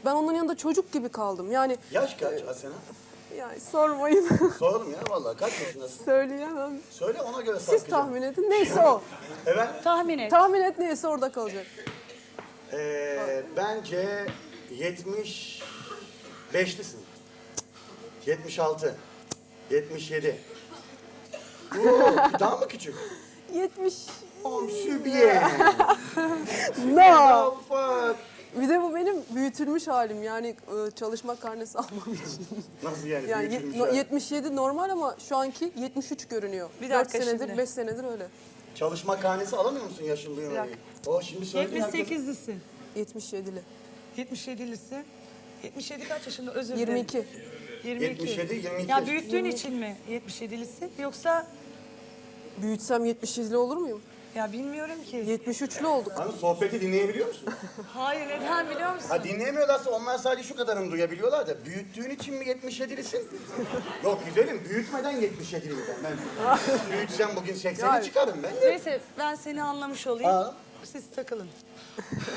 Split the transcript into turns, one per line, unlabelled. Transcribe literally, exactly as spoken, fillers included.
Ben onların yanında çocuk gibi kaldım. Yani
Yaş kaç Asena?
yani sormayın.
Soralım ya vallahi kaç yaşındasın?
Söyleyemem.
Söyle ona göre
Siz
sarkacağım.
tahmin edin. Neyse o.
Evet.
Tahmin et.
Tahmin et neyse orada kalacak.
Ee, bence yetmiş beşlisin. yetmiş altı. yetmiş yedi. Oo, daha mı küçük?
yetmiş.
Oh, sübiye.
No.
Ufak.
Bir de bu benim büyütülmüş halim. Yani e, çalışma karnesi almam için.
Nasıl yani?
Yani
büyütülmüş
yet- no-
hali?
yetmiş yedi normal ama şu anki yetmiş üç görünüyor.
Bir
dört
dakika
senedir,
şimdi.
beş senedir öyle.
Çalışma karnesi alamıyor musun yaşın
Bir
duymamayı?
dakika.
O şimdi söyledin
yetmiş
herkes-
sekizlisin.
yetmiş yedili.
yetmiş yedilisin. yetmiş yedi kaç yaşında? Özür dilerim.
yirmi iki.
yirmi iki.
yetmiş yedi, yirmi iki.
Ya büyüttüğün için mi yetmiş yedilisin? Yoksa
Büyütsem yetmiş yedili olur muyum?
ya bilmiyorum ki.
yetmiş üçlü olduk.
Hani sohbeti dinleyebiliyor musun?
Hayır neden biliyor musun?
Ha dinleyemiyorlarsa onlar sadece şu kadarını duyabiliyorlar da büyüttüğün için mi yetmiş yedilisin? Yok güzelim büyütmeden yetmiş yediliyim ben. ben büyütsem bugün sekseni
Yani.
çıkarım ben.
Neyse ben seni anlamış olayım.
Aa.
Siz takılın.